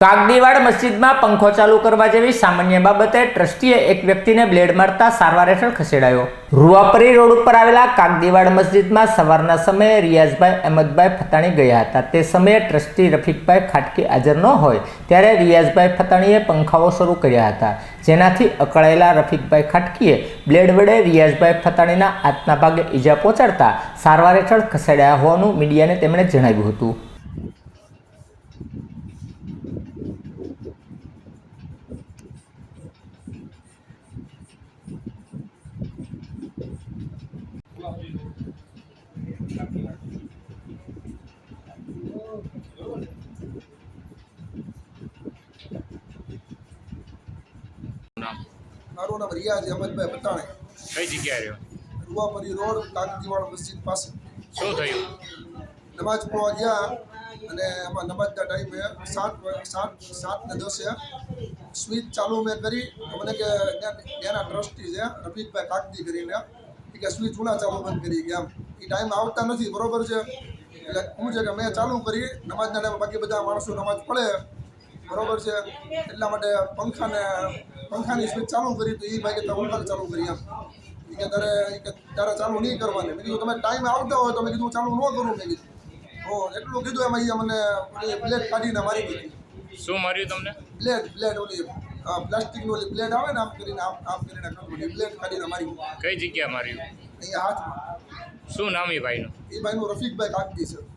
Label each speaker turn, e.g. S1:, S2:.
S1: કાગડીવાડ મસ્જિદમાં પંખો ચાલુ કરવા જેવી સામાન્ય બાબતે ટ્રસ્ટીએ એક વ્યક્તિને બ્લેડ મારતા સારવાર હેઠળ ખસેડાયો। રૂવાપરી રોડ ઉપર આવેલા કાગડીવાડ મસ્જિદમાં સવારના સમયે રિયાઝભાઈ અહેમદભાઈ ફતાણી ગયા હતા। તે સમયે ટ્રસ્ટી રફીકભાઈ ખાટકી હાજર ન હોય ત્યારે રિયાઝભાઈ ફતાણીએ પંખાઓ શરૂ કર્યા હતા, જેનાથી અકળાયેલા રફીકભાઈ ખાટકીએ બ્લેડ વડે રિયાઝભાઈ ફતાણીના હાથના ભાગે ઈજા પહોંચાડતા સારવાર હેઠળ ખસેડાયા હોવાનું મીડિયાને તેમણે જણાવ્યું હતું।
S2: મારું નામ રિયાઝ અહેમદભાઈ ફતાણી।
S3: કઈ જગ્યાએ રહ્યો?
S2: રૂવાપરી રોડ કાગડીવાડ મસ્જિદ પાસે।
S3: શું થયું?
S2: નમાજ પઢવા ગયા અને એમાં નમાજના ટાઈમે 7:10 સ્વિચ ચાલુ મેં કરી તો મને કે ત્યાંના ટ્રસ્ટી છે રફીકભાઈ કાગડી કરીને કે સ્વિચ ઉના ચાલુ બંધ કરી ગયા, એ ટાઈમ આવતા નથી, બરોબર છે। એટલે શું છે કે મેં ચાલુ કરી નમાજના ટાઈમે, બાકી બધા માણસો નમાજ પડે, બરોબર છે, એટલા માટે પંખાની સ્વિચ ચાલુ કરી તો એ ભાઈ કે પંખા ચાલુ કરી એમ કે તારે ચાલુ નહીં કરવાની। મેં કીધું તમે ટાઈમ આવતા હોય તો મેં કીધું ચાલુ ન કરું, મેં કીધું હો એટલું કીધું એમાં એ મને બ્લેડ કાઢીને મારી દીધી।
S3: શું માર્યું તમને?
S2: બ્લેડ ઓલી પ્લાસ્ટિકની ઓલી બ્લેડ આવે ને આમ કરીને બ્લેડ કાઢીને મારી।
S3: કઈ જગ્યા માર્યું?
S2: અહીંયા હાથમાં।
S3: શું નામ એ ભાઈનું?
S2: એ ભાઈનું રફીકભાઈ કાગડી છે।